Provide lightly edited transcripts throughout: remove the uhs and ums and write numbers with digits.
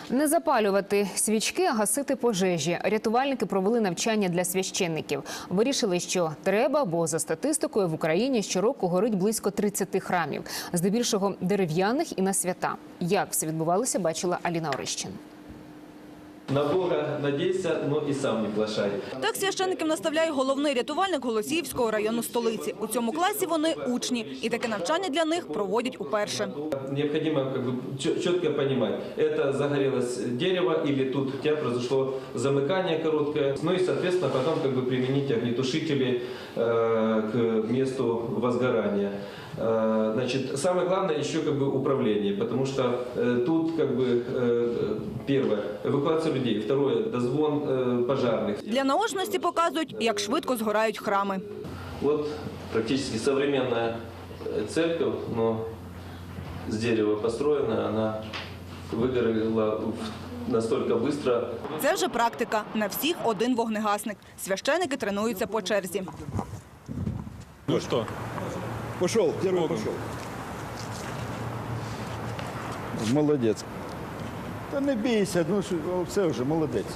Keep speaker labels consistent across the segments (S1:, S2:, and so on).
S1: Не запалювати свічки, а гасити пожежі. Рятувальники провели навчання для священників. Вирішили, що треба, бо за статистикою в Україні щороку горить близько 30 храмів. Здебільшого дерев'яних і на свята. Як все відбувалося, бачила Аліна Орищин.
S2: На Бога надійся, но і сам не плашай.
S3: Так священників наставляє головний рятувальник Голосіївського району столиці. У цьому класі вони учні, і таке навчання для них проводять уперше.
S2: Необходимо чітко розуміти, це загорілось дерево, або тут у тебе произошло замикання коротке. Ну і, відповідно, потім примінити огнетушителі к місту возгорання. Значит, самое главное еще управление, потому что тут первое эвакуация людей, второе дозвон пожарных.
S3: Для наочності показують, як швидко згорають храми.
S2: Вот практически современная церковь, но с дерева построена, она выгорела настолько быстро.
S3: Це вже практика. На всіх один вогнегасник. Священники тренуються по черзі.
S4: Ну что?
S5: Пошел, первый пошел. Молодець. Та не бійся, ну все вже, молодець.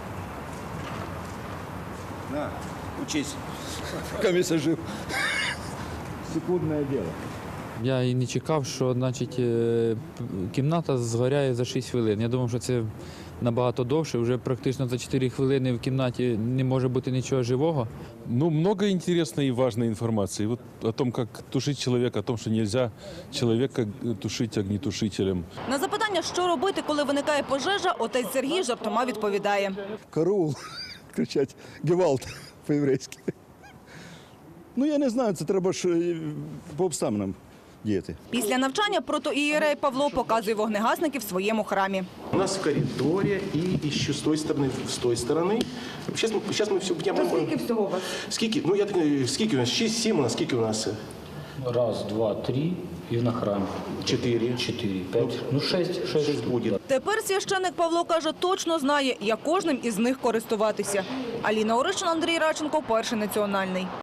S5: На, учись. Каміса жив. Секундне діло.
S4: Я і не чекав, що кімната згоряє за 6 хвилин. Я думав, що це набагато довше. Вже практично за 4 хвилини в кімнаті не може бути нічого живого.
S6: Ну, много интересной и важной информации. Вот о том, как тушить человека, о том, что нельзя человека тушить огнетушителем.
S3: На запитання, що робити, коли виникає пожежа, отець Сергій жартома відповідає.
S5: Караул, кричать, гевалт по-єврейськи. Ну, я не знаю, це треба ж по обставинам діяти.
S3: Після навчання протоієрей Павло показує вогнегасників в своєму храмі.
S7: У нас в коридоре и еще с той стороны. Сейчас мы все будем...
S3: Скільки всього у вас?
S7: Скільки? Ну, я так, скільки у нас? 6-7 у нас, скільки у нас?
S8: Раз, два, три і на храмі.
S7: 4.
S8: 4, 5, ну 6
S7: буде.
S3: Тепер священник Павло каже, точно знає, як кожним із них користуватися. Аліна Орищин, Андрій Радченко, Перший національний.